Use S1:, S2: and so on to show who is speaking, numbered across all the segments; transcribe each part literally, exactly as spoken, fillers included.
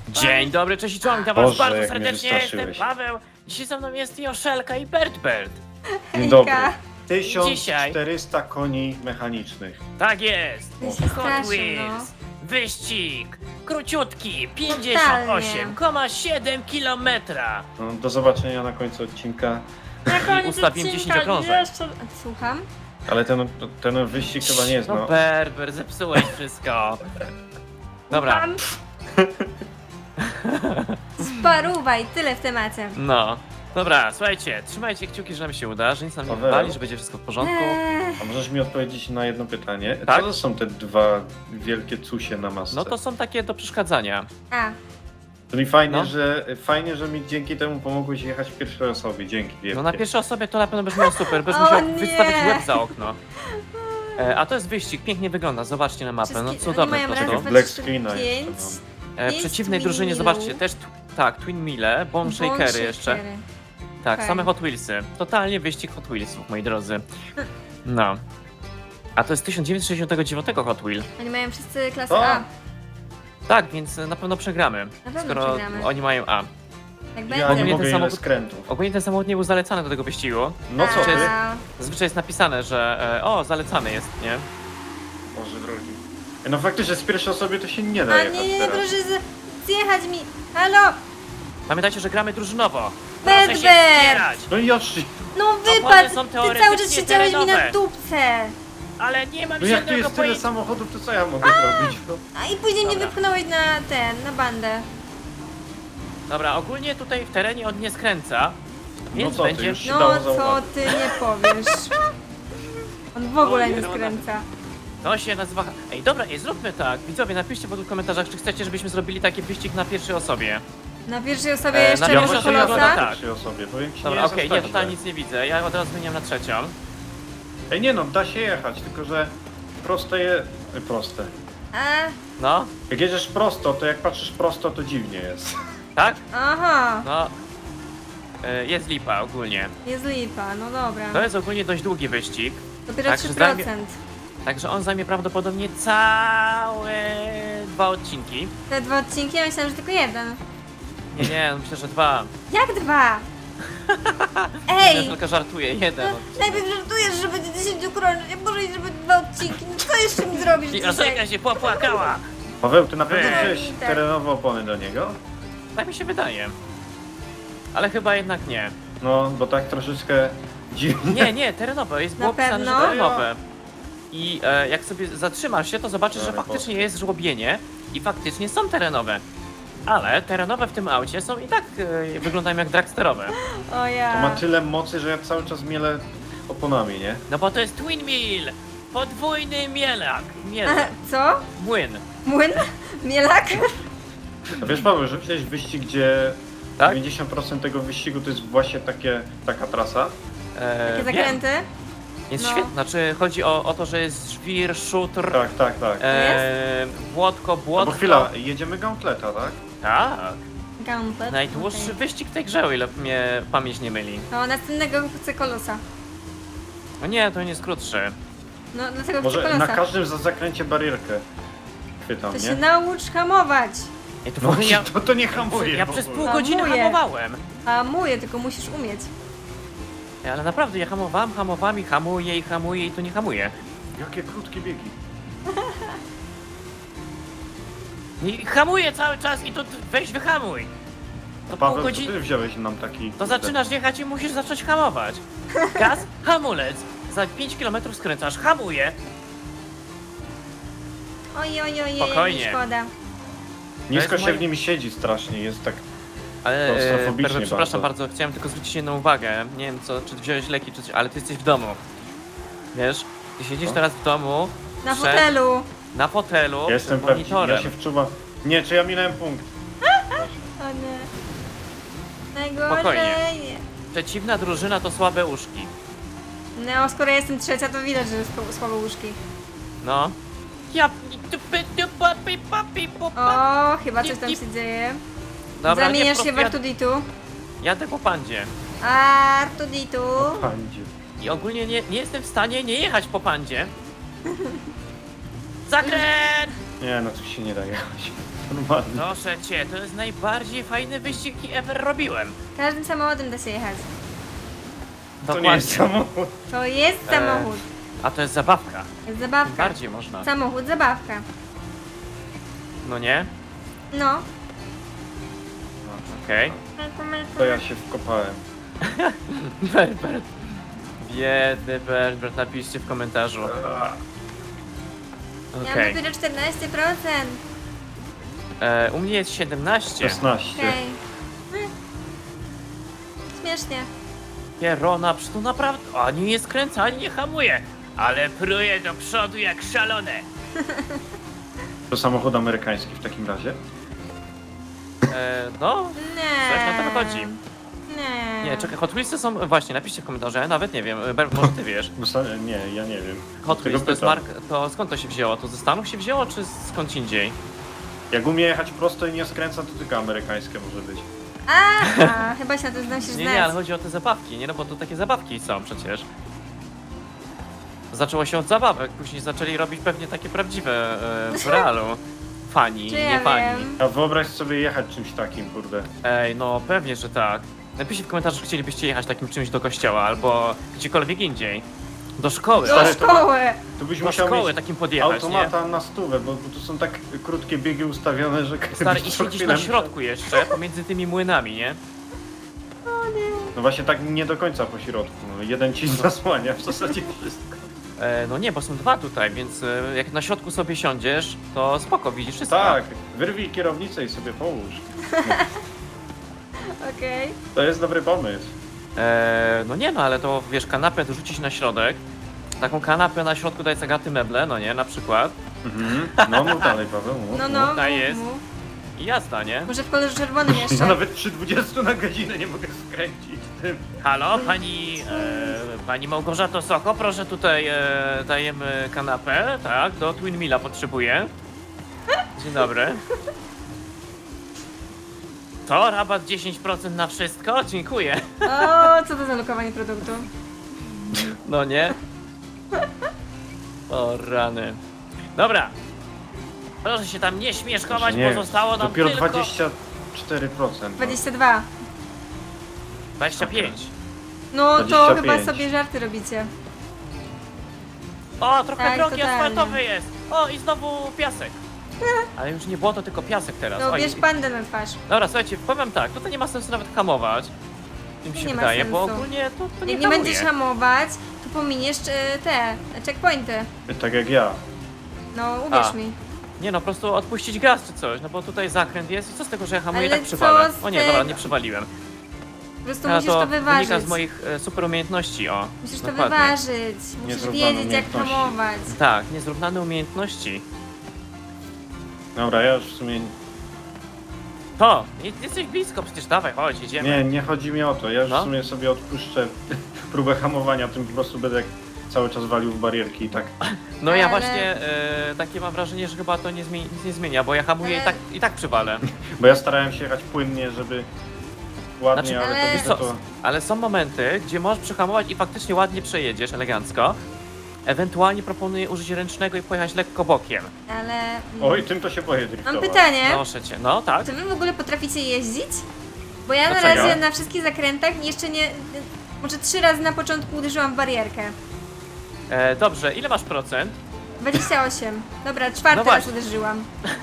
S1: Dzień dobry, cześć i czołem, witam was
S2: Boże,
S1: bardzo
S2: jak mnie
S1: serdecznie, jestem
S2: wystraszyłeś.
S1: Paweł. Dzisiaj ze mną jest Joszelka i Bertbert.
S2: Dzień dobry.
S3: Hejka.
S2: tysiąc czterysta koni mechanicznych.
S1: Tak jest.
S3: Ja się
S1: Hot
S3: straszę,
S1: Wheels. Wyścig. Króciutki, pięćdziesiąt osiem przecinek siedem kilometra.
S2: No, do zobaczenia na końcu odcinka.
S3: Na koniec
S1: ustawiłem
S3: odcinka
S1: dziesięć okrążeń.
S3: jeszcze- Słucham?
S2: Ale ten, ten wyścig chyba nie jest,
S1: No
S2: no.
S1: Bertbert, zepsułeś wszystko. Dobra,
S3: Słucham? Sparuwaj, tyle w temacie.
S1: no. Dobra, słuchajcie, trzymajcie kciuki, że nam się uda, że nic nam nie
S2: Paweł.
S1: wywali, że będzie wszystko w porządku.
S3: Eee,
S2: A możesz mi odpowiedzieć na jedno pytanie?
S1: Tak?
S2: Co to są te dwa wielkie cusie na masce?
S1: No to są takie do przeszkadzania.
S3: A,
S2: Czyli fajnie,
S1: No.
S2: że, fajnie, że mi dzięki temu pomogłeś jechać w pierwszej osobie. Dzięki wielkie.
S1: No na pierwszej osobie to na pewno będziesz miał super, będziesz
S3: O
S1: musiał
S3: nie.
S1: wystawić łeb za okno. E, a to jest wyścig, pięknie wygląda, zobaczcie na mapę, no
S3: wszystkie- oni
S1: cudowne
S3: mają
S1: po
S3: raz,
S1: prostu.
S3: dwa,
S2: Black
S3: trzy,
S2: screena
S3: pięć.
S2: jeszcze
S1: E, w
S3: pięć
S1: przeciwnej
S3: Twin
S1: drużynie,
S3: Millów.
S1: zobaczcie, też, tu- tak, Twin Mille, Bomb Shakery jeszcze.
S3: Shakery.
S1: Tak,
S3: Okej.
S1: same Hot Wheelsy. Totalnie wyścig Hot Wheelsów, moi drodzy. No. A to jest tysiąc dziewięćset sześćdziesiąty dziewiąty Hot Wheel.
S3: Oni mają wszyscy klasę
S2: O!
S3: A.
S1: Tak, więc na pewno przegramy.
S3: pewno
S1: skoro
S3: przegramy.
S1: oni mają A.
S3: Jak
S2: Ja
S3: będzie.
S2: nie
S1: ten
S2: mogę, ile
S1: samochód-
S2: skrętów.
S1: Ogólnie ten samochód nie był zalecany do tego wyścigu.
S2: No co ty?
S3: A,
S1: Zazwyczaj jest napisane, że e, o, zalecany jest, nie?
S2: Boże drogi. No faktycznie z pierwszej osoby to się nie da
S3: A
S2: jechać
S3: nie, nie, nie,
S2: teraz.
S3: proszę z- zjechać mi. Halo!
S1: Pamiętajcie, że gramy drużynowo. Proszę się
S3: Bertbert!
S1: wspierać.
S2: No i Yoshi!
S3: No
S1: Opony
S3: wypadł!
S1: są
S3: Ty cały czas
S1: teoretycznie
S3: siedziałeś mi na
S1: terenowe.
S3: dupce!
S1: Ale nie mam
S2: No jak tu
S1: żadnego
S2: jest tyle
S1: pojęcia.
S2: samochodów, to co ja mogę zrobić? No.
S3: A i później mnie
S1: Dobra.
S3: wypchnąłeś na ten, na bandę.
S1: Dobra, ogólnie tutaj w terenie on nie skręca,
S2: No
S1: więc
S2: co ty,
S1: będzie...
S2: już się
S3: No
S2: dało
S3: co
S2: zauważyć.
S3: ty nie powiesz? On w ogóle nie
S1: Oj,
S3: skręca.
S1: To się nazywa... Ej, dobra, ej, zróbmy tak. Widzowie, napiszcie w komentarzach, czy chcecie, żebyśmy zrobili taki wyścig na pierwszej osobie.
S3: Na pierwszej osobie
S1: E,
S3: jeszcze
S1: na
S2: Ja
S1: pierwszej
S3: będzie
S2: właśnie
S1: osobie
S2: jadę
S1: tak.
S2: na
S3: kolosa?
S2: pierwszej osobie, powiem ci,
S1: Dobra,
S2: nie
S1: okej,
S2: jest
S1: nie,
S2: aż tak
S1: totalnie
S2: źle.
S1: nic nie widzę. Ja od razu zmieniam na trzecią.
S2: Ej, nie no, da się jechać, tylko że proste je... y, proste.
S3: A,
S1: No,
S2: Jak jedziesz prosto, to jak patrzysz prosto, to dziwnie jest.
S1: tak?
S3: aha,
S1: No. E, Jest lipa ogólnie.
S3: jest lipa, no dobra.
S1: To jest ogólnie dość długi wyścig,
S3: Dopiero
S1: tak,
S3: trzy
S1: że zajmie-
S3: procent.
S1: także on zajmie prawdopodobnie całe dwa odcinki.
S3: Te dwa odcinki, ja myślałam, że tylko jeden.
S1: Nie, nie, no myślę, że dwa.
S3: Jak dwa?
S1: Ja
S3: Ej!
S1: tylko żartuję, jeden.
S3: No, najpierw żartujesz, że będzie dziesięć okrążeń, a może i żeby dwa odcinki. No co jeszcze mi zrobisz
S1: I
S3: dzisiaj?
S1: Joszelka się popłakała.
S2: Paweł, ty na pewno
S1: Ej.
S2: wziąłeś
S3: Tak.
S2: terenowe opony do niego?
S1: Tak mi się wydaje. Ale chyba jednak nie.
S2: No, bo tak troszeczkę dziwnie.
S1: Nie, nie, terenowe. Jest
S3: Na
S1: było pisane, że
S3: pewno?
S1: terenowe. I e, jak sobie zatrzymasz się, to zobaczysz, że
S2: Ale
S1: faktycznie
S2: Boże.
S1: jest żłobienie i faktycznie są terenowe. Ale terenowe w tym aucie są i tak e, wyglądają jak dragsterowe.
S3: O
S2: To
S3: ja.
S2: ma tyle mocy, że ja cały czas mielę oponami, nie?
S1: No bo to jest Twin Mill! Podwójny mielak!
S3: A,
S1: Mielak.
S3: co?
S1: Młyn.
S3: Młyn? Mielak?
S2: A wiesz Paweł, że widziałeś wyścig, gdzie
S1: Tak?
S2: dziewięćdziesiąt procent tego wyścigu to jest właśnie takie, taka trasa?
S1: E,
S3: Takie
S1: wiem.
S3: zakręty?
S1: Jest
S3: No.
S1: świetna. Znaczy chodzi o, o to, że jest żwir, szutr,
S2: Tak, tak, tak.
S1: e, błotko,
S2: No
S1: błotko.
S2: bo chwila, jedziemy gauntleta, tak?
S1: Tak.
S3: Gauntlet.
S1: Najdłuższy
S3: okej.
S1: wyścig w tej grze, o ile mnie pamięć nie myli.
S3: No, następnego chcę kolosa.
S1: No nie, to nie jest krótszy.
S3: No, dlatego chcę
S2: Może
S3: kolosa.
S2: na każdym za zakręcie barierkę chwytam,
S3: To
S2: nie?
S3: się naucz hamować.
S1: Ej, to w
S2: No
S1: ogóle ja,
S2: to, to nie hamuje
S1: ja
S2: w
S1: przez
S2: ogóle.
S1: pół godziny
S3: Hamuję.
S1: hamowałem.
S3: Hamuję, tylko musisz umieć.
S1: Ej, ale naprawdę, ja hamowałem, hamowałem i hamuję i hamuję i to nie hamuję.
S2: Jakie krótkie biegi.
S1: I hamuję cały czas i to weź wyhamuj. To pół
S2: Paweł, co
S1: godziny.
S2: ty wziąłeś nam taki...
S1: To zaczynasz jechać i musisz zacząć hamować. Gaz, hamulec. Za pięć kilometrów skręcasz, hamuję.
S3: Oj, oj, oj,
S1: Spokojnie.
S3: oj, szkoda.
S2: Nisko
S1: To jest
S2: się
S1: moje-
S2: w nim siedzi strasznie, jest tak...
S1: Ale,
S2: Klaustrofobicznie
S1: Perwe, przepraszam
S2: bardzo.
S1: bardzo, chciałem tylko zwrócić jedną uwagę. Nie wiem co, czy wziąłeś leki, czy coś, ale ty jesteś w domu. Wiesz? Ty siedzisz
S2: Co?
S1: teraz w domu,
S3: Na
S1: przed-
S3: fotelu.
S1: na fotelu,
S2: Ja jestem
S1: przed
S2: prawdziwy,
S1: monitorem.
S2: ja się wczuwam... Nie, czy ja minąłem punkt?
S3: O nie. Najgorzej.
S1: Spokojnie. Przeciwna drużyna to słabe uszki.
S3: No, skoro ja jestem trzecia, to widać, że jest słabe łóżki.
S1: No. Ja... tupy, tupa, pipa, pipu, pa.
S3: O, chyba coś tam
S1: Tip,
S3: się dzieje.
S1: Dobra,
S3: Zamieniasz
S1: nie,
S3: się w
S1: ja-
S3: Artuditu.
S1: Jadę po pandzie.
S3: Artuditu.
S2: Pandzie.
S1: I ogólnie nie, nie jestem w stanie nie jechać po pandzie. Zakręt!
S2: Nie, no tu się nie da jechać. Normalnie.
S1: Proszę cię, to jest najbardziej fajny wyścig, jaki ever robiłem.
S3: Każdym samochodem da się jechać.
S2: To nie jest samochód.
S3: To jest
S1: E,
S3: samochód.
S1: A to jest zabawka.
S3: Jest
S1: Tym
S3: zabawka.
S1: bardziej można.
S3: Samochód, zabawka.
S1: No nie?
S3: No.
S1: Okej.
S2: To ja się wkopałem.
S1: Berbert. Biedny Berbert, napiszcie w komentarzu.
S3: Ja
S1: Okej.
S3: mam dopiero czternaście procent.
S1: E, U mnie jest siedemnaście.
S2: szesnaście.
S3: Okej. Hmm. Śmiesznie.
S1: Pierona, przy to naprawdę ani nie skręca, ani nie hamuje. Ale pruje do przodu jak szalone.
S2: To samochód amerykański w takim razie?
S1: E, no,
S3: Nie.
S1: coś na to wychodzi.
S3: Nie.
S1: Nie, czekaj, Hot Wheelsy są, właśnie, napiszcie w komentarzu, ja nawet nie wiem, Berbert, może ty wiesz.
S2: Bo sa- Nie, ja nie wiem.
S1: Hot
S2: Tego
S1: Wheels to jest
S2: pytam.
S1: marka, to skąd to się wzięło? To ze Stanów się wzięło, czy skąd indziej?
S2: Jak umie jechać prosto i nie skręca, to tylko amerykańskie może być.
S3: A, chyba się na to znam się
S1: Nie,
S3: znać.
S1: nie, ale chodzi o te zabawki, nie? No bo to takie zabawki są przecież. Zaczęło się od zabawek, później zaczęli robić pewnie takie prawdziwe e, w realu. Fani,
S3: Czy
S1: nie
S3: ja
S1: fani.
S3: wiem?
S2: A wyobraź sobie jechać czymś takim, kurde.
S1: Ej, no pewnie, że tak. Napiszcie w komentarzu, czy chcielibyście jechać takim czymś do kościoła albo gdziekolwiek indziej. Do szkoły.
S3: Do
S2: Stary, to-
S3: szkoły.
S2: Tu byś
S1: Do
S2: musiał
S1: szkoły
S2: mieć
S1: takim podjechać, nie?
S2: automata na stówę, bo, bo tu są tak krótkie biegi ustawione, że
S1: Stary,
S2: byś
S1: i
S2: co
S1: siedzisz
S2: chwilę
S1: na środku jeszcze, pomiędzy tymi młynami, nie?
S2: No właśnie tak nie do końca po środku. No, jeden ci zasłania w zasadzie wszystko.
S1: E, no nie, bo są dwa tutaj, więc e, jak na środku sobie siądziesz, to spoko, widzisz wszystko.
S2: Tak, wyrwij kierownicę i sobie połóż.
S3: Okej.
S2: To jest dobry pomysł.
S1: E, no nie no, ale to wiesz, kanapę dorzucić na środek. Taką kanapę na środku daj zagaty meble, no nie, na przykład.
S2: Mhm. No mów dalej, Paweł. Mów,
S3: No,
S2: mów.
S3: no,
S1: Tutaj
S3: mów,
S1: jest.
S3: mów.
S1: I jazda, nie?
S3: Może w kolorze czerwonym
S2: Ja
S3: jeszcze.
S2: nawet przy dwudziestu na godzinę nie mogę skręcić tym.
S1: Halo, pani, e, pani Małgorzato Soko, proszę tutaj e, dajemy kanapę, tak, do Twin Milla potrzebuję. Dzień dobry. To rabat dziesięć procent na wszystko? Dziękuję.
S3: O, co to za lokowanie produktu?
S1: No nie? O rany. Dobra. Proszę się tam nie śmieszkować,
S2: Nie,
S1: bo zostało nam
S2: dopiero
S1: tylko
S2: dwadzieścia cztery procent.
S3: dwadzieścia dwa.
S1: dwadzieścia pięć.
S3: No to
S2: dwadzieścia
S3: chyba
S2: pięć.
S3: sobie żarty robicie.
S1: O, trochę
S3: Tak,
S1: drogi
S3: totalnie.
S1: asfaltowy jest. O, i znowu piasek. Ale już nie było to tylko piasek teraz.
S3: No
S1: Oj.
S3: bierz pandę na twarz.
S1: Dobra, słuchajcie, powiem tak, tutaj nie ma sensu nawet hamować. Tym się
S3: Nie ma
S1: wydaje, bo
S3: sensu.
S1: ogólnie to, to nie
S3: Jak nie
S1: hamuje.
S3: będziesz hamować, to pominiesz e, te checkpointy.
S2: Tak jak ja.
S3: No uwierz
S1: A.
S3: mi.
S1: Nie no, po prostu odpuścić gaz czy coś, no bo tutaj zakręt jest i co z tego, że ja hamuję i
S3: Ale
S1: tak przywalę.
S3: co z
S1: O nie, dobra,
S3: tego?
S1: nie przywaliłem.
S3: Po prostu
S1: A
S3: musisz to, wyważyć.
S1: wynika z moich e, super umiejętności, o.
S3: Musisz to
S1: dokładnie.
S3: wyważyć. Musisz
S2: Niezrównane
S3: wiedzieć jak
S2: umiejętności.
S3: hamować.
S1: Tak, niezrównane umiejętności.
S2: Dobra, ja już w sumie...
S1: To, nie- jesteś blisko, przecież dawaj, chodź, jedziemy.
S2: Nie, nie chodzi mi o to. Ja już
S1: No.
S2: w sumie sobie odpuszczę próbę hamowania, tym po prostu będę cały czas walił w barierki i tak.
S1: No ja
S3: Ale-
S1: właśnie e, takie mam wrażenie, że chyba to nie zmieni, nic nie zmienia, bo ja hamuję i
S3: Ale-
S1: tak, i tak przywalę.
S2: Bo ja starałem się jechać płynnie, żeby ładnie,
S1: Znaczy,
S2: ale,
S3: ale-
S2: to
S1: Wiesz
S2: widzę
S1: co,
S2: to...
S1: ale są momenty, gdzie możesz przyhamować i faktycznie ładnie przejedziesz, elegancko. Ewentualnie proponuję użyć ręcznego i pojechać lekko bokiem.
S3: Ale... mm,
S2: Oj, tym to się boję driftować.
S3: Mam pytanie.
S1: Proszę cię, no tak.
S3: Czy wy w ogóle potraficie jeździć? Bo ja na
S1: Dlaczego?
S3: razie na wszystkich zakrętach jeszcze nie... Może trzy razy na początku uderzyłam w barierkę.
S1: E, dobrze, ile masz procent?
S3: dwadzieścia osiem. Dobra, czwarty
S1: No
S3: raz
S1: właśnie.
S3: uderzyłam.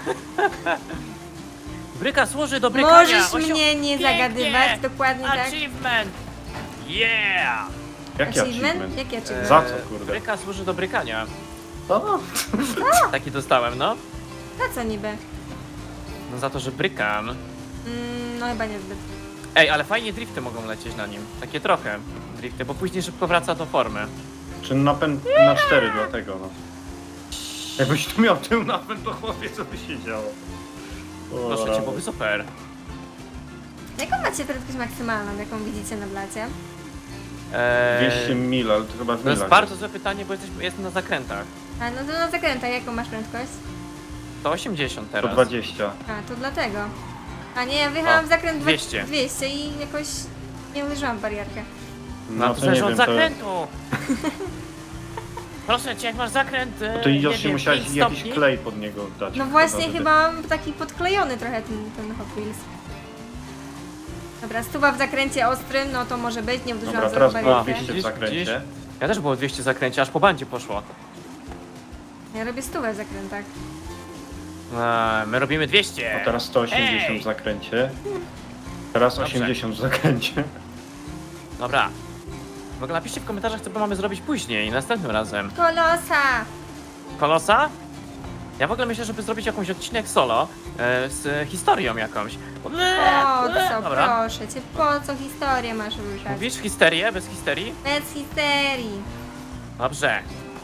S1: Bryka służy do brykania.
S3: Możesz
S1: Osio-
S3: mnie nie
S1: Pięknie!
S3: zagadywać, dokładnie tak.
S1: Achievement! Yeah!
S2: Jaki achievement?
S3: Jaki achievement?
S2: Za co, kurde?
S1: Bryka służy do brykania.
S2: O,
S1: Taki dostałem, no.
S3: Na co niby?
S1: No za to, że brykam.
S3: Mm, no chyba niezbyt.
S1: Ej, ale fajnie drifty mogą lecieć na nim. Takie trochę drifty, bo później szybko wraca do formy.
S2: czy napęd na cztery dlatego, no. Jakbyś tu miał tył napęd, to chłopie, co by się działo? O,
S1: Proszę cię,
S2: rany.
S1: byłoby super.
S3: Jaką macie prędkość maksymalną, jaką widzicie na blacie?
S1: Eee,
S2: dwieście mil, ale to chyba w
S1: To jest
S2: milach
S1: bardzo złe pytanie, bo jesteśmy, jestem na zakrętach.
S3: A no to na zakrętach jaką masz prędkość?
S1: To osiemdziesiąt
S2: To
S1: teraz.
S2: dwadzieścia.
S3: A, to dlatego. A nie, ja wyjechałam
S1: O,
S3: w zakręt dwa-
S1: dwieście.
S3: dwieście i jakoś nie uderzyłam w barierkę.
S1: No, to
S2: nie
S1: zależy od
S2: wiem, to...
S1: zakrętu. Proszę cię, jak masz zakręt, e,
S2: To
S1: nie
S2: idiotnie
S1: wiem,
S2: musiałeś
S1: pięć
S2: jakiś
S1: stopni.
S2: klej pod niego dać.
S3: No właśnie,
S2: żeby-
S3: chyba mam taki podklejony trochę ten, ten Hot Wheels. Dobra, stuwa w zakręcie ostrym, no to może być, nie uderzyłam
S2: Dobra,
S3: za
S2: teraz
S3: barierkę.
S2: było dwieście w
S1: Widzisz,
S2: zakręcie.
S1: widzisz? Ja też było dwieście zakręcie, aż po bandzie poszło.
S3: Ja robię stówę w zakrętach.
S1: A, my robimy dwieście.
S2: A teraz sto osiemdziesiąt
S1: Ej!
S2: w zakręcie. Teraz
S1: Dobrze.
S2: osiemdziesiąt w zakręcie.
S1: Dobra. W ogóle napiszcie w komentarzach, co mamy zrobić później, następnym razem.
S3: Kolosa!
S1: Kolosa? Ja w ogóle myślę, żeby zrobić jakąś odcinek solo e, z historią jakąś.
S3: Po
S1: Eee,
S3: co,
S1: Dobra.
S3: proszę cię, po co historię masz ruszać?
S1: Mówisz histerię, bez histerii?
S3: Bez histerii.
S1: Dobrze.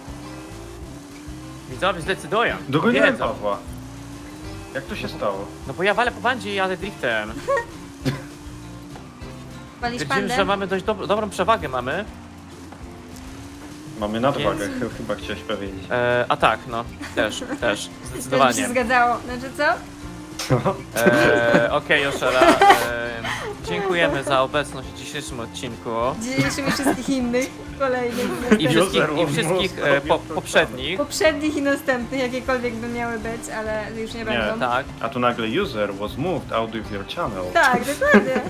S1: Widzowie zdecydują.
S2: Dogoniłem
S1: Wiedzą.
S2: Pawła. Jak to się stało?
S1: No bo ja walę po bandzie i jadę driftem.
S3: Walisz
S1: Twierdzimy,
S3: pandę?
S1: że mamy dość dob dobrą przewagę mamy.
S2: Mamy nadwagę,
S1: Więc-
S2: ch- chyba chciałeś powiedzieć.
S1: E, a tak, no, też, też,
S3: Też by się
S1: zdecydowanie.
S3: zgadzało. Znaczy co?
S1: E, Okej, Joszela, e, dziękujemy za obecność w dzisiejszym odcinku.
S3: Dzisiejszym i wszystkich innych, kolejnych,
S1: I
S3: następnych.
S1: wszystkich, i
S2: User
S1: wszystkich
S2: was
S1: e, po,
S2: most
S1: poprzednich.
S3: poprzednich i następnych, jakiekolwiek by miały być, ale już nie
S2: Nie.
S3: będą.
S1: Tak.
S2: A tu nagle user was moved out of your channel.
S3: Tak, dokładnie.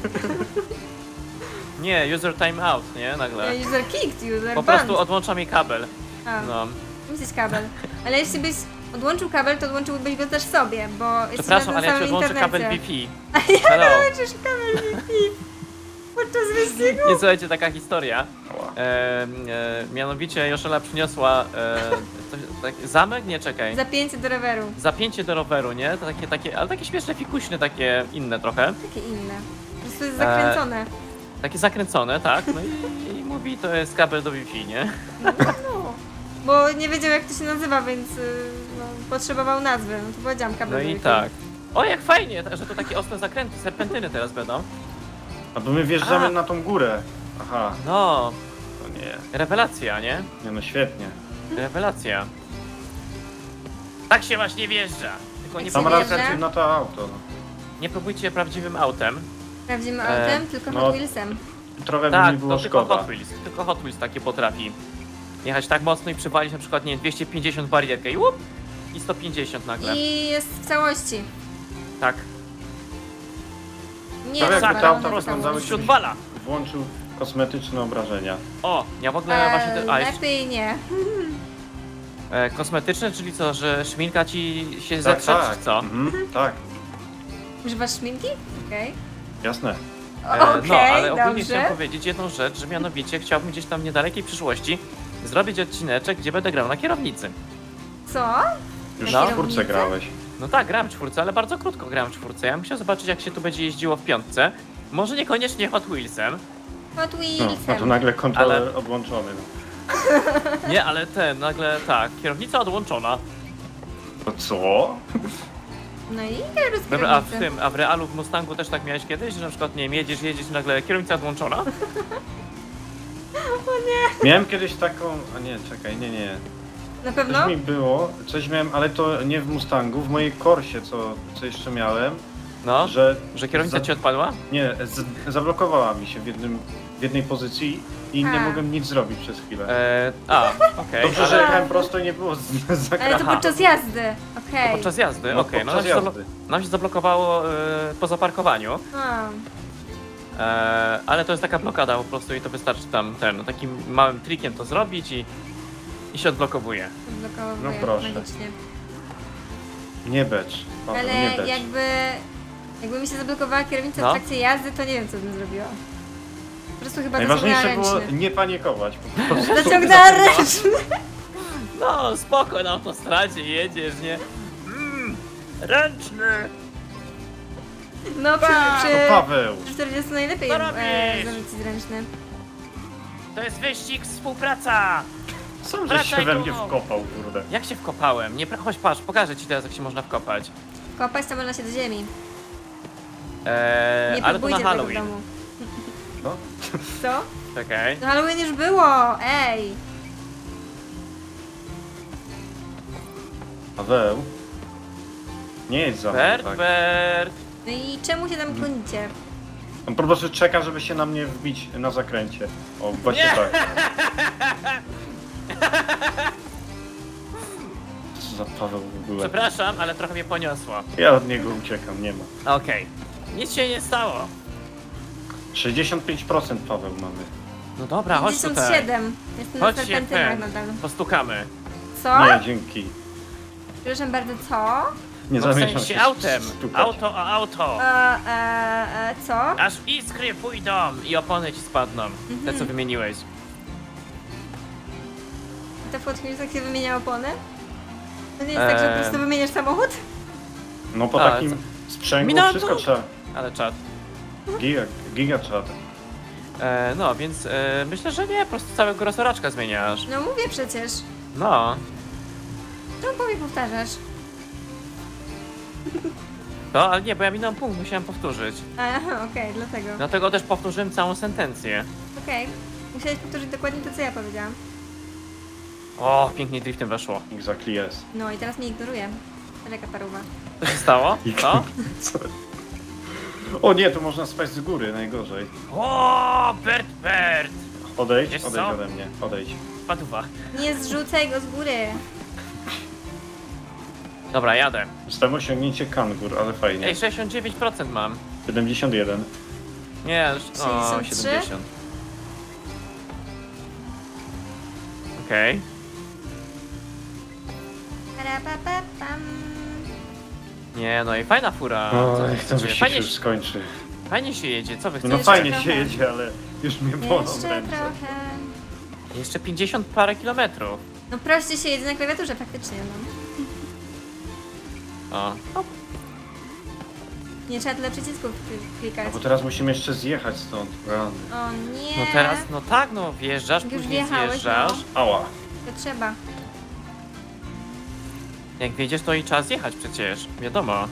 S1: Nie, user time out, nie? Nagle.
S3: User kicked, user
S1: Po
S3: banned.
S1: prostu odłącza mi kabel.
S3: A,
S1: No.
S3: musisz kabel. Ale jeśli byś odłączył kabel, to odłączyłbyś go też sobie, bo jesteś
S1: Przepraszam,
S3: na
S1: ale
S3: tym
S1: ja ci
S3: samym
S1: odłączę kabel
S3: internecie.
S1: Wi-Fi. Hello.
S3: Odłączysz kabel Wi-Fi podczas wyścigu.
S1: Nie, słuchajcie, taka historia.
S2: Ała.
S1: E, e, mianowicie Joszela przyniosła e, coś, tak, zamek? Nie, czekaj.
S3: Zapięcie do roweru.
S1: Zapięcie do roweru, nie? To takie, takie, ale takie śmieszne, fikuśne, takie inne trochę.
S3: Takie inne. Po prostu jest zakręcone.
S1: Takie zakręcone, tak? No i, i mówi, to jest kabel do Wi-Fi, nie?
S3: No. Bo nie wiedział jak to się nazywa, więc y, no, potrzebował nazwy. No to powiedziałam kabel
S1: No
S3: do
S1: i
S3: Wi-Fi.
S1: tak. O, jak fajnie, że to takie ostre zakręty, serpentyny teraz będą.
S2: A bo my wjeżdżamy
S1: A.
S2: na tą górę. Aha,
S1: No,
S2: to nie.
S1: rewelacja, nie?
S2: Nie no, świetnie.
S1: Rewelacja. Tak się właśnie wjeżdża. Tylko nie,
S3: Sam
S2: Sam
S3: się
S1: próbujcie,
S2: raz
S3: wjeżdża?
S2: na to auto. No.
S1: nie próbujcie prawdziwym autem.
S3: Prawdziwym
S1: E,
S3: autem, tylko
S2: no.
S3: Hot Wheelsem.
S2: Trochę by
S1: Tak,
S2: mi było
S1: to tylko
S2: szkoda.
S1: Hot Wheels. Tylko Hot Wheels takie potrafi. Jechać tak mocno i przywalić na przykład, nie wiem, dwieście pięćdziesiąt barierkę i łup! I sto pięćdziesiąt nagle.
S3: I jest w całości.
S1: Tak.
S3: Nie
S2: Prawie jakby
S3: rozwalone
S2: te auta
S3: w
S2: rozglądały
S3: całości.
S1: Się odwala.
S2: Włączył kosmetyczne obrażenia.
S1: O, ja w ogóle właśnie...
S3: Eee,
S1: Te, a, jeszcze,
S3: lepiej nie.
S1: e, kosmetyczne, czyli co, że szminka ci się
S2: Tak,
S1: zetrze,
S2: tak.
S1: czy co?
S2: Mhm, tak,
S3: Używasz szminki? Okej.
S2: jasne.
S1: E,
S3: Okej,
S1: no, ale ogólnie
S3: dobrze.
S1: chciałem powiedzieć jedną rzecz, że mianowicie chciałbym gdzieś tam w niedalekiej przyszłości zrobić odcineczek, gdzie będę grał na kierownicy.
S3: Co?
S2: Już
S1: No.
S2: w czwórce grałeś.
S1: No tak, grałem w czwórce, ale bardzo krótko grałem w czwórce. Ja bym chciał zobaczyć, jak się tu będzie jeździło w piątce. Może niekoniecznie Hot Wheelsem.
S3: Hot
S2: No,
S3: Wheelsem.
S2: no to nagle kontroler
S1: Ale-
S2: odłączony. No.
S1: Nie, ale ten, nagle tak, kierownica odłączona.
S2: To co?
S3: No i teraz
S1: Dobra, a w tym, a w realu w Mustangu też tak miałeś kiedyś, że na przykład, nie wiem, jedziesz, jedziesz i nagle kierownica odłączona?
S2: Miałem kiedyś taką... A nie, czekaj, nie, nie.
S3: Na pewno?
S2: Coś mi było, coś miałem, ale to nie w Mustangu, w mojej Corsie, co, co jeszcze miałem,
S1: No, że,
S2: że...
S1: kierownica
S2: za-
S1: ci odpadła?
S2: Nie, z, zablokowała mi się w, jednym, w jednej pozycji i nie
S3: A.
S2: mogłem nic zrobić przez chwilę.
S1: E, a, okej,
S2: Dobrze, że
S1: ale
S2: jechałem prosto i nie było z, z
S3: Ale
S2: zakrętu.
S3: to
S1: Aha.
S3: podczas jazdy. Okej.
S1: podczas jazdy,
S2: No,
S1: okej, no,
S2: podczas
S1: nam się, zablo-
S2: jazdy.
S1: nam się zablokowało e, po zaparkowaniu,
S3: A,
S1: e, ale to jest taka blokada po prostu i to wystarczy tam ten, takim małym trikiem to zrobić i, i się odblokowuje.
S3: odblokowuję
S2: No proszę.
S3: magicznie.
S2: Nie becz, Paweł, nie
S3: Ale
S2: becz.
S3: jakby... Jakby mi się zablokowała kierownica
S1: No.
S3: w trakcie jazdy, to nie wiem co bym zrobiła. Po prostu chyba
S2: Najważniejsze
S3: zaciągnęła
S2: było
S3: ręczny.
S2: nie panikować po prostu.
S3: Zaciągnęła ręczny.
S1: No, spoko, na autostradzie jedziesz, nie? Mm, ręczny!
S3: No przy,
S2: No
S3: przy,
S2: Paweł,
S3: przy czterdziestu najlepiej
S1: Co
S3: e,
S1: robisz?
S3: zarzucić ręczny.
S1: To jest wyścig, współpraca!
S2: sam żeś się
S1: Wracaj
S2: we
S1: tu.
S2: mnie wkopał, kurde.
S1: Jak się wkopałem? Nie, pra- chodź, patrz, pokażę ci teraz, jak się można wkopać.
S3: Kopać to można się do ziemi.
S1: Eee,
S3: Nie
S1: ale to na
S3: próbujcie tego w
S1: Halloween.
S3: domu.
S2: No.
S3: Co?
S1: Czekaj.
S3: No Halloween już było, ej!
S2: Paweł, nie jedź za mną,
S1: Bert,
S2: tak.
S1: Bert.
S3: No i czemu się tam klonicie?
S2: On po prostu czeka, żeby się na mnie wbić na zakręcie. O, właśnie
S1: Nie.
S2: tak. za Paweł w ogóle?
S1: Przepraszam, ale trochę mnie poniosło.
S2: Ja od niego uciekam, nie ma.
S1: Okej. Nic się nie stało.
S2: sześćdziesiąt pięć procent Paweł mamy.
S1: No dobra, chodź
S3: pięćdziesiąt
S1: tutaj.
S3: siedem. Jestem na
S1: Chodź się
S3: serpentynach
S1: ten.
S3: nadal.
S1: Postukamy.
S3: Co?
S2: Nie, dzięki.
S3: Przepraszam bardzo, co?
S2: Nie
S1: No w
S2: zamierzam
S1: sensie
S2: się
S1: autem.
S2: stukać.
S1: Auto o auto.
S3: E, e, e, co?
S1: Aż iskry pójdą i opony ci spadną. Te co wymieniłeś.
S3: To w Hot Wheelsach się wymienia opony? To nie jest tak, że po
S1: Eee.
S3: prostu wymieniasz samochód?
S2: No po
S1: A,
S2: takim sprzęgu
S1: Minąłem
S2: wszystko
S1: tu.
S2: trzeba.
S1: Ale czad.
S2: Giga, giga trzeba.
S1: E, no, więc e, myślę, że nie, po prostu całego rosoraczka zmieniasz.
S3: No mówię przecież.
S1: No.
S3: Czemu po mnie powtarzasz?
S1: No, ale nie, bo ja minąłem punkt, musiałem powtórzyć.
S3: Aha, okej, dlatego.
S1: Dlatego też powtórzyłem całą sentencję.
S3: Okej. Musiałeś powtórzyć dokładnie to, co ja powiedziałam.
S1: O, pięknie driftem weszło.
S2: Exactly yes.
S3: No i teraz mnie ignoruje. Jaka paruwa.
S1: Co się stało? Co?
S2: Co? O nie, tu można spaść z góry, najgorzej.
S1: O, Bert, Bert!
S2: Odejdź,
S1: Wiesz
S2: odejdź
S1: co?
S2: ode mnie, odejdź.
S1: Paduwa.
S3: Nie zrzucaj go z góry.
S1: Dobra, jadę.
S2: Zostałem osiągnięcie kangur, ale fajnie.
S1: Ej, sześćdziesiąt dziewięć procent mam.
S2: siedemdziesiąt jeden.
S1: Nie, już- o,
S3: sześćdziesiąt trzy?
S1: siedemdziesiąt. Okej.
S3: Parapapapam.
S1: Nie, no i fajna fura.
S2: O,
S1: Co wy
S2: niech ten
S1: chcecie?
S2: wyścig
S1: fajnie,
S2: się już skończy.
S1: fajnie się jedzie, co wy chcecie?
S2: No
S3: Jeszcze
S2: fajnie
S3: trochę.
S2: się jedzie, ale już mnie bolą
S3: Jeszcze
S2: ręce.
S3: trochę.
S1: Jeszcze pięćdziesiąt parę kilometrów.
S3: No proście się jedzie na klawiaturze faktycznie, no.
S1: O. O,
S3: Nie trzeba tyle przycisków kli- klikać.
S2: No bo teraz musimy jeszcze zjechać stąd. Rany.
S3: O nie.
S1: no teraz, no tak, no wjeżdżasz,
S3: Już
S1: później
S3: wjechałeś,
S1: zjeżdżasz.
S3: no.
S2: Ała.
S3: To trzeba.
S1: Jak wjedziesz, to i trzeba zjechać przecież, wiadomo.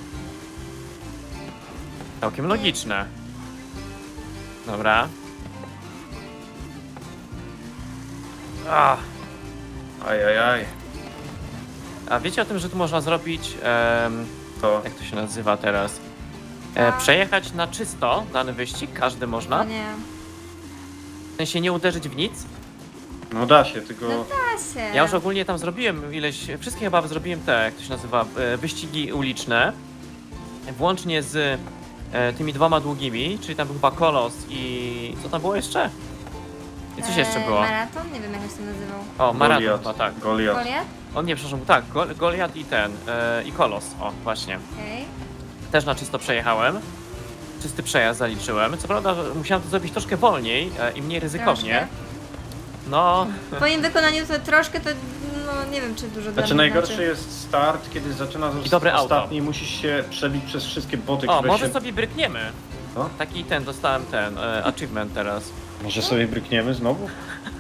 S1: Całkiem logiczne. Dobra. Ach.
S2: Ajajaj.
S1: A wiecie o tym, że tu można zrobić, em,
S2: To.
S1: jak to się nazywa teraz? E,
S3: Co?
S1: przejechać na czysto dany wyścig, każdy
S3: O
S1: można.
S3: nie.
S1: W sensie nie uderzyć w nic.
S2: No da się, tylko...
S3: No da się.
S1: Ja już ogólnie tam zrobiłem ileś, wszystkie chyba zrobiłem te, jak to się nazywa, e, wyścigi uliczne. Włącznie z e, tymi dwoma długimi, czyli tam był chyba Kolos i... co tam było jeszcze? I coś jeszcze
S3: Eee,
S1: było.
S3: Maraton? Nie wiem jak on się nazywał.
S1: O, Maraton
S2: Goliat.
S1: chyba, tak.
S2: Goliat.
S3: Goliat?
S1: On nie, przepraszam, tak, Gol Goliat i ten, e, i Kolos, o, właśnie.
S3: Okej.
S1: Też na czysto przejechałem. Czysty przejazd zaliczyłem. Co prawda musiałem to zrobić troszkę wolniej e, i mniej ryzykownie.
S3: Troszkę.
S1: No,
S3: W twoim wykonaniu to troszkę to, no nie wiem czy dużo dla
S2: Znaczy
S3: mnie
S2: najgorszy
S3: znaczy.
S2: jest start, kiedy zaczynasz
S1: I dobre auto.
S2: ostatni i musisz się przebić przez wszystkie boty,
S1: o,
S2: które
S1: może
S2: się...
S1: sobie brykniemy.
S2: Co?
S1: Taki ten, dostałem ten, e, achievement teraz.
S2: Może sobie brykniemy znowu?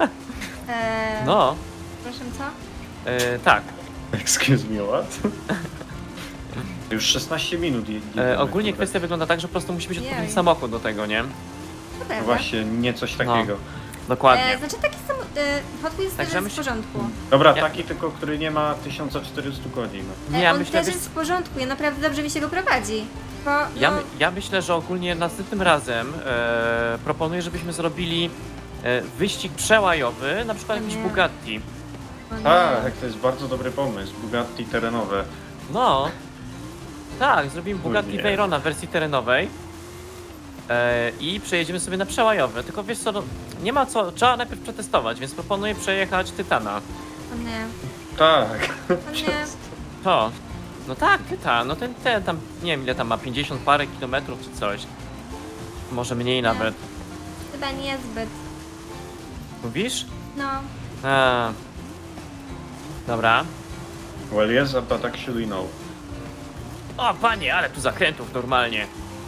S3: Eee,
S1: No,
S3: Proszę co?
S1: e, tak.
S2: Excuse me, what? Już szesnaście minut je- jedziemy,
S1: E, ogólnie
S2: kurde.
S1: kwestia wygląda tak, że po prostu musi być odpowiedni
S3: Jej.
S1: samochód do tego, nie?
S3: To
S2: No
S3: prawda.
S2: właśnie, nie coś takiego.
S1: Dokładnie.
S3: E, znaczy taki sam... E, Hot Wheels
S1: Także
S3: też jest w
S1: myśl-
S3: porządku.
S2: Dobra,
S1: Ja-
S2: taki tylko, który nie ma tysiąc czterysta godzin.
S3: E,
S1: Nie, ja
S3: on
S1: myślę,
S3: też
S1: wiesz-
S3: jest w porządku, ja naprawdę dobrze mi się go prowadzi. Bo, no,
S1: Ja, my- ja myślę, że ogólnie następnym razem e, proponuję, żebyśmy zrobili e, wyścig przełajowy, na przykład
S3: O
S1: jakiś
S3: nie.
S1: Bugatti.
S3: o nie.
S2: Tak, to jest bardzo dobry pomysł. Bugatti terenowe.
S1: No. Tak, zrobimy Bugatti
S2: nie.
S1: Veyrona w wersji terenowej. E, I przejedziemy sobie na przełajowy. Tylko wiesz co, no, nie ma co, trzeba najpierw przetestować, więc proponuję przejechać Tytana.
S3: O nie,
S2: Tak.
S3: o nie.
S1: To. No tak, Tytan, no ten, ten tam, nie wiem ile tam ma, pięćdziesiąt parę kilometrów czy coś. Może mniej nawet.
S3: Chyba niezbyt.
S1: Mówisz?
S3: No,
S1: A. Dobra.
S2: Well yes, but actually no.
S1: O panie, ale tu zakrętów normalnie.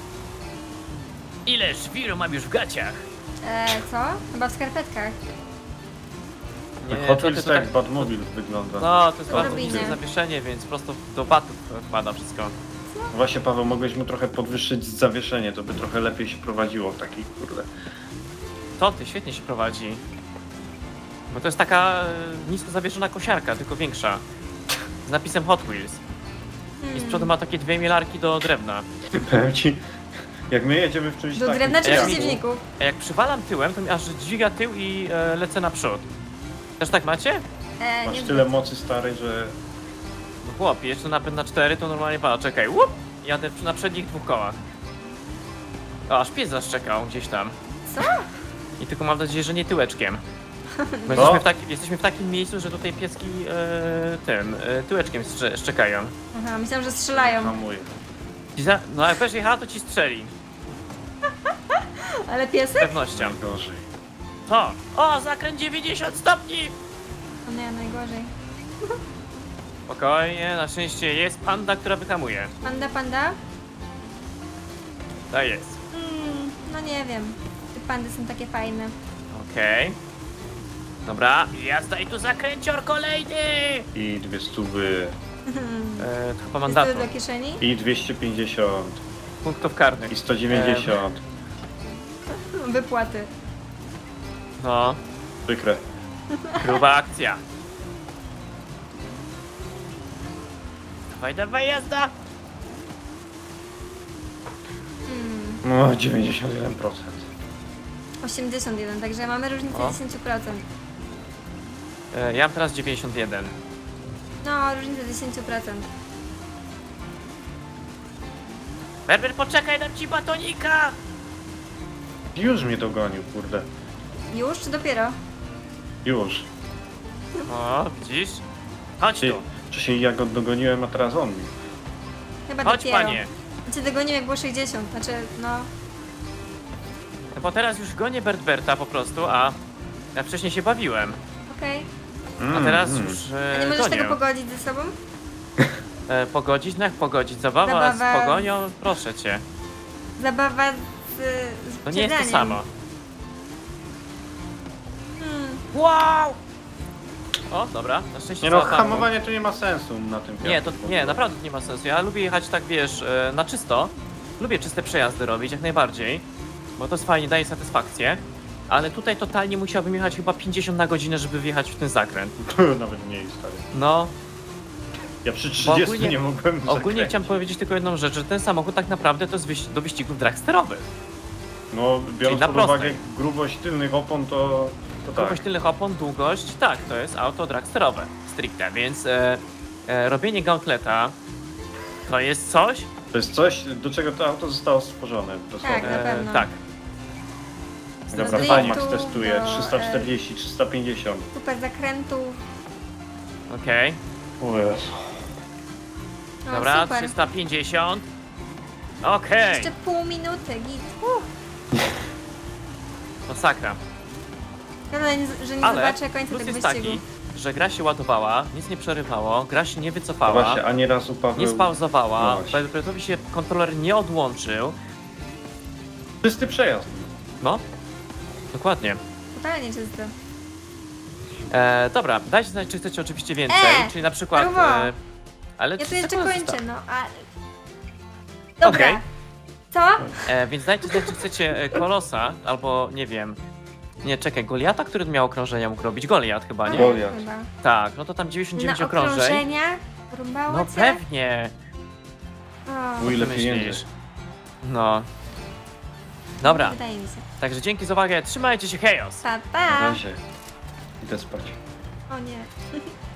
S1: Ile szwiru mam już w gaciach?
S3: e, co? Chyba w skarpetkach.
S1: Nie,
S2: Hot
S1: to-
S2: Wheels
S1: to
S2: tak
S1: tak-
S2: Batmobile wygląda.
S1: No, to jest bardzo
S3: Odrobinie.
S1: niskie zawieszenie, więc prosto do batów wpada wszystko.
S2: Właśnie Paweł, mogłeś mu trochę podwyższyć zawieszenie, to by trochę lepiej się prowadziło w takich, kurde.
S1: To ty, świetnie się prowadzi. Bo to jest taka e, nisko zawieszona kosiarka, tylko większa. Z napisem Hot Wheels. I z przodu ma takie dwie mielarki do drewna.
S2: Powiem ci, jak my jedziemy w czymś
S3: Do
S2: takim...
S3: drewna czy
S1: jak-
S3: przeciwników?
S1: A jak przywalam tyłem, to mi aż dźwiga tył i e, lecę naprzód. Też tak macie?
S3: E,
S2: Masz
S3: niezbyt.
S2: tyle mocy starej, że...
S1: No chłopie, jeszcze napęd na cztery to normalnie pada. Czekaj, łup! Jadę na przednich dwóch kołach. O, aż pies zaszczekał gdzieś tam.
S3: Co?
S1: I tylko mam nadzieję, że nie tyłeczkiem. Bo
S2: No.
S1: jesteśmy w, taki, jesteśmy w takim miejscu, że tutaj pieski e, tym, e, tyłeczkiem strze, szczekają.
S3: Aha, myślałam, że strzelają.
S2: Hamuję.
S1: Ci za, no jak będziesz jechała, to ci strzeli.
S3: Ale
S1: Z
S3: piesek?
S1: pewnością.
S2: Gorzej.
S1: To! O, zakręt dziewięćdziesiąt stopni!
S3: O nie, najgorzej.
S1: Spokojnie, na szczęście jest panda, która wyhamuje.
S3: Panda, panda?
S1: To jest.
S3: Mm, no nie wiem. Te pandy są takie fajne.
S1: Okej. Dobra, jazda i tu zakręcior kolejny!
S2: I dwie stówy.
S1: E, to chyba
S3: Jest
S1: mandatu.
S3: to do kieszeni?
S2: I dwieście pięćdziesiąt.
S1: Punktów karnych.
S2: I sto dziewięćdziesiąt.
S3: Wypłaty.
S1: No,
S2: Przykre.
S1: gruba akcja. Dawaj, dawaj, jazda!
S3: Mm,
S2: No, dziewięćdziesiąt jeden procent.
S3: osiemdziesiąt jeden, także mamy różnicę
S1: O.
S3: dziesięć procent.
S1: E, ja mam teraz dziewięćdziesiąt jeden.
S3: No, różnicę dziesięć procent.
S1: Berber, poczekaj, dam ci batonika!
S2: Już mnie dogonił, kurde.
S3: Już czy dopiero?
S2: Już.
S1: O, widzisz? Chodź
S2: Ty,
S1: tu.
S2: wcześniej ja go dogoniłem, a teraz on mi.
S3: Chyba
S1: Chodź,
S3: dopiero.
S1: panie.
S3: Ja cię dogoniłem jak było sześćdziesiąt, znaczy no...
S1: No bo teraz już gonię Bertberta po prostu, a ja wcześniej się bawiłem.
S3: Okej.
S1: A
S2: Mm,
S1: teraz
S2: mm.
S1: już
S3: A nie
S1: e,
S3: możesz
S1: gonię.
S3: tego pogodzić ze sobą?
S1: E, pogodzić? No jak pogodzić? Zabawa,
S3: Zabawa
S1: z pogonią? Proszę cię.
S3: Zabawa z... z
S1: To nie jest to
S3: wyprzedzaniem.
S1: samo.
S3: Hmm.
S1: Wow! O, dobra, na szczęście
S2: Nie no,
S1: załapałem.
S2: hamowanie tu nie ma sensu na tym
S1: Nie, to
S2: piasku.
S1: nie, naprawdę to nie ma sensu. Ja lubię jechać tak, wiesz, e, na czysto. Lubię czyste przejazdy robić, jak najbardziej. Bo to jest fajnie, daje satysfakcję. Ale tutaj totalnie musiałbym jechać chyba pięćdziesiąt na godzinę, żeby wjechać w ten zakręt.
S2: Nawet mniej, stary.
S1: No,
S2: Ja przy trzydziestu
S1: ogólnie-
S2: nie mogłem
S1: ogólnie
S2: zakręcić.
S1: chciałem powiedzieć tylko jedną rzecz, że ten samochód tak naprawdę to jest wyś- do wyścigów dragsterowych.
S2: No, biorąc
S1: na
S2: pod
S1: prostej.
S2: uwagę grubość tylnych opon, to, to tak.
S1: Grubość tylnych opon, długość, tak, to jest auto dragsterowe, stricte, więc e, e, robienie gauntleta to jest coś,
S2: To jest coś, do czego to auto zostało stworzone. Dosłownie.
S3: Tak, na pewno.
S1: tak,
S2: Dobra,
S3: Do
S2: Fajmax
S3: driftu,
S2: testuje
S3: do,
S2: trzysta czterdzieści, trzysta pięćdziesiąt.
S3: Super zakrętów.
S1: okej,
S2: O Jezu.
S3: No,
S1: dobra,
S3: super.
S1: trzysta pięćdziesiąt, okej,
S3: Jeszcze pół minuty, git. Uh.
S1: masakra,
S3: Szkoda, że nie
S1: ale
S3: zobaczę końca
S1: plus
S3: tego
S1: jest
S3: wyścigu.
S1: taki, że gra się ładowała, nic nie przerywało, gra się nie
S2: To
S1: wycofała,
S2: właśnie, ani razu Paweł...
S1: nie spauzowała,
S2: No właśnie.
S1: Belbretowi się kontroler nie odłączył,
S2: Czysty przejazd.
S1: no, dokładnie.
S3: Totalnie czysto.
S1: E, dobra, dajcie znać, czy chcecie oczywiście więcej,
S3: E,
S1: czyli na przykład...
S3: Paruwo.
S1: E, ale
S3: Ja tu
S1: trzy
S3: jeszcze
S1: sekundy
S3: kończę,
S1: zostało.
S3: no ale... Dobra.
S1: Okej.
S3: Co?
S1: E, więc dajcie znać, czy chcecie e, Kolosa, albo nie wiem... Nie, czekaj, Goliata, który miał okrążenia, mógł robić Goliat chyba, nie?
S2: Goliat. Goliath.
S3: Chyba.
S1: Tak, no to tam dziewięćdziesiąt dziewięć
S3: Na
S1: okrążeń.
S3: okrążenia? Rąbało
S1: No
S3: cię?
S1: pewnie.
S3: O,
S2: O ile
S1: Ty
S2: pieniędzy.
S1: myślisz? No. Dobra,
S3: Wydaje mi się.
S1: także dzięki za uwagę, trzymajcie się, hejos!
S3: Pa,
S2: Na
S3: pa.
S2: razie. Idę spać.
S3: O nie.